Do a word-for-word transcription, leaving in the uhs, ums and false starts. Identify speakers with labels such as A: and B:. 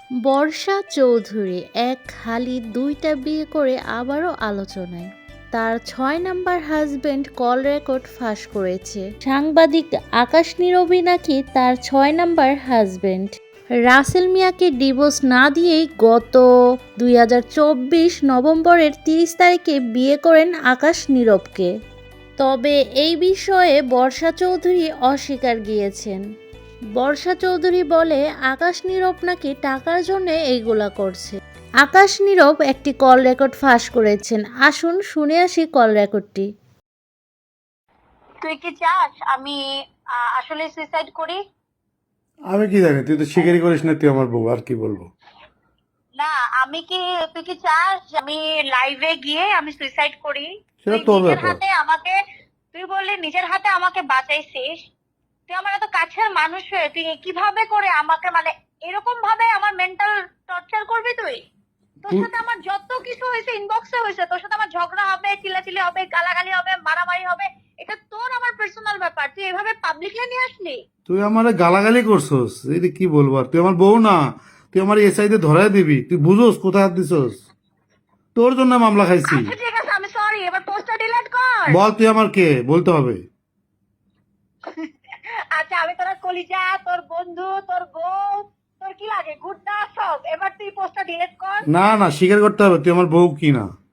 A: বর্ষা চৌধুরী এক খালি দুইটা বিয়ে করে আবারও আলোচনায়। তার ছয় নাম্বার হাজবেন্ড কল রেকর্ড ফাঁস করেছে। সাংবাদিক আকাশ নীরবই নাকি তার ছয় নাম্বার হাজবেন্ড। রাসেল মিয়াকে ডিভোর্স না দিয়েই গত দুই হাজার চব্বিশ নভেম্বরের তিরিশ তারিখে বিয়ে করেন আকাশ নীরবকে। তবে এই বিষয়ে বর্ষা চৌধুরী অস্বীকার গিয়েছেন। বর্ষা চৌধুরী বলে আকাশ নীরব নাকি টাকার জন্য এইগুলা করছে। আকাশ নীরব একটি কল রেকর্ড ফাঁস করেছেন, আসুন শুনে আসি কল রেকর্ডটি।
B: তুই কি চাস আমি আহ, আসলে সুইসাইড করি?
C: আমি কি জানি, তুই তো স্বীকারই করিস না তুই আমার বউ, আর কি বলবো।
B: না, আমি কি তুই কি চাস যে আমি লাইভে গিয়ে আমি সুইসাইড করি?
C: সেটা
B: তুই
C: তোর
B: নিজের
C: ব্যাপার।
B: হাতে আমাকে তুই বললি নিজের হাতে আমাকে বাঁচাইছিস। তুই আমার এত কাছের মানুষ হয়ে তুই কিভাবে করে আমাকে মানে এরকম ভাবে আমার মেন্টাল টর্চার করবি তুই? তোর
C: তুই
B: সাথে আমার যত কিছু হয়েছে ইনবক্সে হয়েছে, তোর সাথে আমার ঝগড়া হবে, চিল্লাচিল্লি হবে, গালাগালি হবে, মারামারি হবে, এটা তোর আমার পার্সোনাল ব্যাপার, তুই এভাবে পাবলিকলি নিয়ে আসলি।
C: তুই আমার গালাগালি করছস, এই কি বলবো আর, তুই আমার বউ না, তুই আমার এসআইতে ধরাই দিবি, তুই বুঝোস কোথায় হাত দিছস? তোর জন্য মামলা খাইছি।
B: আচ্ছা ঠিক আছে, আমি সরি, এবার পোস্টটা ডিলিট কর।
C: বল তুই আমার কে, বলতে হবে।
B: আচ্ছা, আমি তোর কলিজা, তোর বন্ধু, তোর বউ, তোর কি লাগে গুড্ডা সব, এবার তুই পোস্টটা ডিলিট কর।
C: না না, স্বীকার করতে হবে তুই আমার বউ কি না।